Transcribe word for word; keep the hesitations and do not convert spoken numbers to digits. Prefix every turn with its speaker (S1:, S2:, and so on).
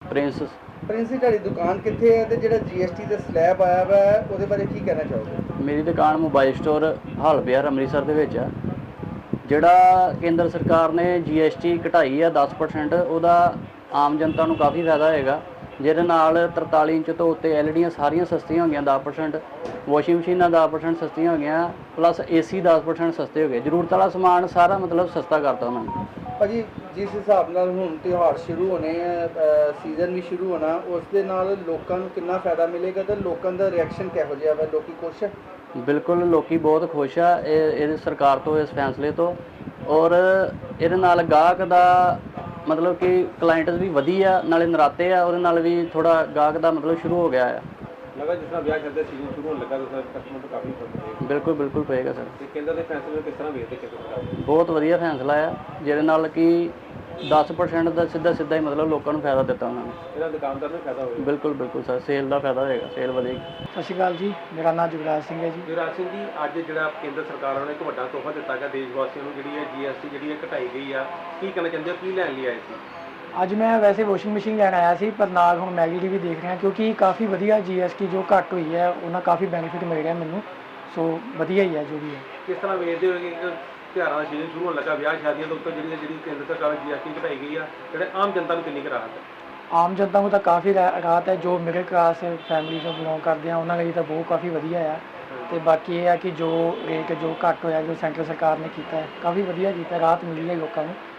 S1: Prince.
S2: Prince ਜੀ, ਤੁਹਾਡੀ ਦੁਕਾਨ ਕਿੱਥੇ ਹੈ ਤੇ ਜਿਹੜਾ ਜੀਐਸਟੀ ਦਾ ਸਲੈਬ ਆਇਆ ਵਾ ਉਹਦੇ ਬਾਰੇ ਕੀ ਕਹਿਣਾ ਚਾਹੋਗੇ?
S1: ਮੇਰੀ ਦੁਕਾਨ mobile store hall Bihar Amritsar ਦੇ ਵਿੱਚ ਆ। ਜਿਹੜਾ ਕੇਂਦਰ ਸਰਕਾਰ ਨੇ ਜੀ ਐਸ ਟੀ ਘਟਾਈ ਆ ਦਸ ਪਰਸੈਂਟ, ਉਹਦਾ ਆਮ ਜਨਤਾ ਨੂੰ ਕਾਫੀ ਫਾਇਦਾ ਹੋਏਗਾ। ਜਿਹਦੇ ਨਾਲ ਤਰਤਾਲੀ ਇੰਚ ਤੋਂ ਉੱਤੇ ਐਲ ਈ ਡੀਆਂ ਸਾਰੀਆਂ ਸਸਤੀਆਂ ਹੋ ਗਈਆਂ ਦਸ ਪਰਸੈਂਟ, ਵਾਸ਼ਿੰਗ ਮਸ਼ੀਨਾਂ ਦਸ ਪਰਸੈਂਟ ਸਸਤੀਆਂ ਹੋ ਗਈਆਂ, ਪਲੱਸ ਏ ਸੀ ਦਸ ਪਰਸੈਂਟ ਸਸਤੇ ਹੋ ਗਏ। ਜ਼ਰੂਰਤ ਵਾਲਾ ਸਮਾਨ ਸਾਰਾ ਮਤਲਬ ਸਸਤਾ ਕਰਤਾ ਉਹਨਾਂ ਨੇ।
S2: ਭਾਜੀ, ਜਿਸ ਹਿਸਾਬ ਨਾਲ ਹੁਣ ਤਿਉਹਾਰ ਸ਼ੁਰੂ ਹੋਣੇ ਆ, ਸੀਜ਼ਨ ਵੀ ਸ਼ੁਰੂ ਹੋਣਾ, ਉਸ ਦੇ ਨਾਲ ਲੋਕਾਂ ਨੂੰ ਕਿੰਨਾ ਫਾਇਦਾ ਮਿਲੇਗਾ ਤੇ ਲੋਕਾਂ ਦਾ ਰਿਐਕਸ਼ਨ ਕਿਹੋ ਜਿਹਾ ਵਾ? ਲੋਕੀ ਖੁਸ਼ ਹੈ?
S1: ਬਿਲਕੁਲ, ਲੋਕੀ ਬਹੁਤ ਖੁਸ਼ ਆ ਇਹ ਇਹ ਸਰਕਾਰ ਤੋਂ, ਇਸ ਫੈਸਲੇ ਤੋਂ। ਔਰ ਇਹਦੇ ਨਾਲ ਗਾਹਕ ਦਾ ਮਤਲਬ ਕਿ ਕਲਾਇੰਟ ਵੀ ਵਧੀਆ, ਨਾਲੇ ਨਰਾਤੇ ਆ, ਉਹਦੇ ਨਾਲ ਵੀ ਥੋੜ੍ਹਾ ਗਾਹਕ ਦਾ ਮਤਲਬ ਸ਼ੁਰੂ ਹੋ ਗਿਆ ਆ।
S3: ਲੱਗਾ ਜਿਸ ਤਰ੍ਹਾਂ ਵਿਆਹ ਚੱਲਦਾ ਸੀਜ਼ਨ ਸ਼ੁਰੂ ਹੋਣ ਲੱਗਾ ਤਾਂ ਕਸਟਮਰ ਤੋਂ ਕਾਫੀ ਫਰਕ ਪਏਗਾ।
S1: ਬਿਲਕੁਲ ਬਿਲਕੁਲ ਪਏਗਾ ਸਰ।
S3: ਤੇ ਕੇਂਦਰ ਦੇ ਫੈਸਲੇ ਨੂੰ ਕਿਸ ਤਰ੍ਹਾਂ ਵੇਖਦੇ ਕੇਂਦਰ ਸਰਕਾਰ?
S1: ਬਹੁਤ ਵਧੀਆ ਫੈਸਲਾ ਆ, ਜਿਹਦੇ ਨਾਲ ਕਿ ਦਸ ਪਰਸੈਂਟ ਦਾ ਸਿੱਧਾ ਸਿੱਧਾ ਹੀ ਮਤਲਬ ਲੋਕਾਂ ਨੂੰ ਫਾਇਦਾ ਦਿੱਤਾ ਉਹਨਾਂ ਨੇ।
S3: ਇਹਦਾ ਦੁਕਾਨਦਾਰ ਨੂੰ ਫਾਇਦਾ ਹੋਵੇਗਾ।
S1: ਬਿਲਕੁਲ ਬਿਲਕੁਲ ਸਰ, ਸੇਲ ਦਾ ਫਾਇਦਾ ਹੋਏਗਾ, ਸੇਲ ਵਧੇਗੀ।
S4: ਸਤਿ ਸ਼੍ਰੀ ਅਕਾਲ ਜੀ, ਮੇਰਾ ਨਾਮ ਜੁਗਰਾਜ ਸਿੰਘ ਹੈ ਜੀ।
S3: ਜੁਗਰਾਜ ਸਿੰਘ ਜੀ, ਅੱਜ ਜਿਹੜਾ ਕੇਂਦਰ ਸਰਕਾਰ ਵੱਲੋਂ ਇੱਕ ਵੱਡਾ ਤੋਹਫਾ ਦਿੱਤਾ ਗਿਆ ਦੇਸ਼ ਵਾਸੀਆਂ ਨੂੰ, ਜਿਹੜੀ ਹੈ ਜੀ ਐਸ ਟੀ ਜਿਹੜੀ ਹੈ ਘਟਾਈ ਗਈ ਆ, ਕੀ ਕਹਿਣਾ ਚਾਹੁੰਦੇ ਹੋ? ਕੀ ਲੈਣ ਲਈ ਆਏ ਸੀ?
S4: ਅੱਜ ਮੈਂ ਵੈਸੇ ਵਾਸ਼ਿੰਗ ਮਸ਼ੀਨ ਲੈਣ ਆਇਆ ਸੀ, ਪਰ ਨਾਲ ਹੁਣ ਮੈਗੀ ਦੀ ਵੀ ਦੇਖ ਰਿਹਾ, ਕਿਉਂਕਿ ਕਾਫੀ ਵਧੀਆ ਜੀ ਐਸ ਟੀ ਜੋ ਘੱਟ ਹੋਈ ਹੈ ਉਹਨਾਂ ਕਾਫੀ ਬੈਨੀਫਿਟ ਮਿਲ ਰਿਹਾ ਮੈਨੂੰ। ਸੋ ਵਧੀਆ ਹੀ ਹੈ ਜੋ ਵੀ ਹੈ।
S3: ਕਿਸ ਤਰ੍ਹਾਂ ਵੇਖਦੇ ਹੋ ਕਿ ਤਿਉਹਾਰਾਂ ਦਾ ਸੀਜ਼ਨ ਸ਼ੁਰੂ ਹੋਣ ਲੱਗਾ, ਵਿਆਹ ਸ਼ਾਦੀਆਂ ਦੇ ਉੱਤੇ ਜਿਹੜੀ ਜਿਹੜੀ ਕੇਂਦਰ ਸਰਕਾਰ ਜੀ ਐਸ ਟੀ ਘਟਾਈ ਗਈ ਆ, ਜਿਹੜੇ ਆਮ ਜਨਤਾ ਨੂੰ ਕਿੰਨੀ ਕੁ ਰਾਹਤ ਹੈ?
S4: ਆਮ ਜਨਤਾ ਨੂੰ ਤਾਂ ਕਾਫੀ ਰਾਹਤ ਹੈ। ਜੋ ਮਿਡਲ ਕਲਾਸ ਫੈਮਿਲੀ ਤੋਂ ਬਿਲੋਂਗ ਕਰਦੇ ਆ ਉਹਨਾਂ ਲਈ ਤਾਂ ਬਹੁਤ ਕਾਫੀ ਵਧੀਆ ਆ। ਅਤੇ ਬਾਕੀ ਇਹ ਆ ਕਿ ਜੋ ਰੇਟ ਜੋ ਘੱਟ ਹੋਇਆ, ਜੋ ਸੈਂਟਰ ਸਰਕਾਰ ਨੇ ਕੀਤਾ ਹੈ, ਕਾਫੀ ਵਧੀਆ ਕੀਤਾ, ਰਾਹਤ ਮਿਲੀ ਹੈ ਲੋਕਾਂ ਨੂੰ।